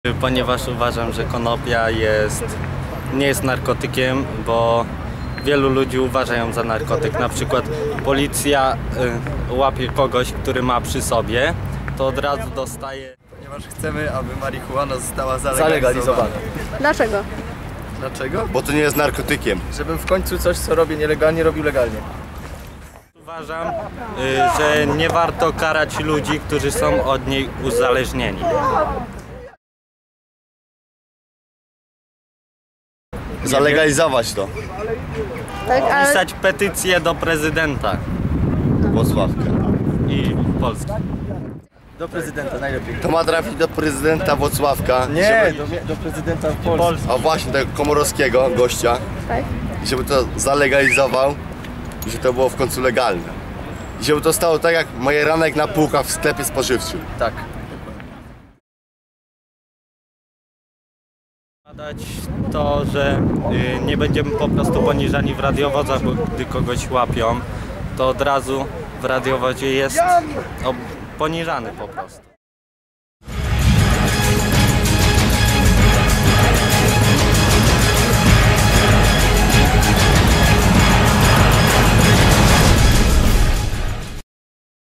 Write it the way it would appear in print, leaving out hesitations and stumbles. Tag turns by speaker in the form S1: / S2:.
S1: Ponieważ uważam, że konopia nie jest narkotykiem, bo wielu ludzi uważa ją za narkotyk. Na przykład policja łapie kogoś, który ma przy sobie, to od razu dostaje.
S2: Ponieważ chcemy, aby marihuana została zalegalizowana.
S3: Dlaczego?
S2: Dlaczego?
S4: Bo to nie jest narkotykiem.
S2: Żebym w końcu coś, co robię nielegalnie, robił legalnie.
S1: Uważam, że nie warto karać ludzi, którzy są od niej uzależnieni.
S4: Zalegalizować to.
S3: Tak, ale
S1: Pisać petycję do prezydenta
S4: Włocławka.
S1: i Polski.
S2: Do prezydenta najlepiej.
S4: To ma trafić do prezydenta Włocławka.
S2: Nie, do prezydenta Polski.
S4: A właśnie tego Komorowskiego gościa.
S3: tak.
S4: I żeby to zalegalizował i żeby to było w końcu legalne. I żeby to stało tak jak majeranek na półkach w sklepie spożywczym.
S2: Tak.
S1: Badać to, że nie będziemy po prostu poniżani w radiowozach, bo gdy kogoś łapią, to od razu w radiowozie jest poniżany po prostu.